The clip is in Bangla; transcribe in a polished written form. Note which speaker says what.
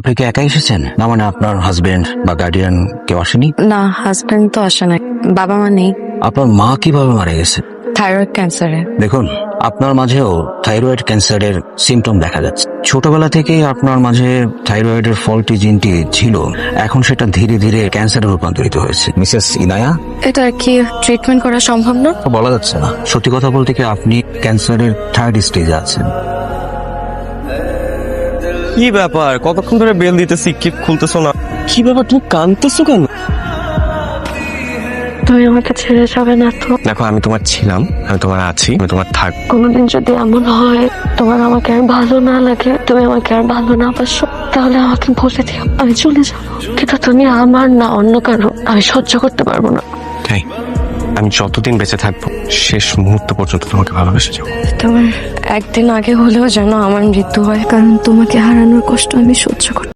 Speaker 1: আপনি কি একাই এসেছেন? না মানে আপনার হাজবেন্ড বা গার্ডিয়ান কেউ আসেনি?
Speaker 2: না, হাজবেন্ড তো আসে না, বাবা মা নেই।
Speaker 1: আপনার মা কিভাবে মারা গেছে?
Speaker 2: থাইরয়েড ক্যান্সারে।
Speaker 1: দেখুন, আপনার মাঝেও থাইরয়েড ক্যান্সারের সিমটম দেখা যাচ্ছে। ছোটবেলা থেকেই আপনার মাঝে থাইরয়েডের ফল্টি জিনটি ছিল, এখন সেটা ধীরে ধীরে ক্যান্সারে রূপান্তরিত হয়েছে। মিসেস ইনায়া,
Speaker 2: এটা কি ট্রিটমেন্ট করা সম্ভব না?
Speaker 1: বলা যাচ্ছে না। সত্যি কথা বলতে কি, আপনি ক্যান্সারের থার্ড স্টেজে আছেন।
Speaker 3: কি ব্যাপার, কতক্ষণ ধরে বেল দিতেছি, কিপ খুলতেছো না? কি ব্যাপার, তুমি কাঁদতেছো কেন?
Speaker 2: তুমি আমাকে ছেড়ে যাবে না তো?
Speaker 3: দেখো, আমি তোমার ছিলাম, আমি তোমার আছি, আমি তোমার থাক।
Speaker 2: কোনোদিন যদি এমন হয় তোমার আমাকে আর ভালো না লাগে, তুমি আমাকে আর ভালো না বাসো, তাহলে আমাকে বলে দিও, আমি চলে যাবো। কিন্তু তুমি আমার না অন্য কারো, আমি সহ্য করতে পারবো না।
Speaker 3: তাই আমি যতদিন বেঁচে থাকবো শেষ মুহূর্ত পর্যন্ত তোমাকে ভালোবেসে যাবো।
Speaker 2: তোমার একদিন আগে হলেও যেন আমার মৃত্যু হয়, কারণ তোমাকে হারানোর কষ্ট আমি সহ্য করতে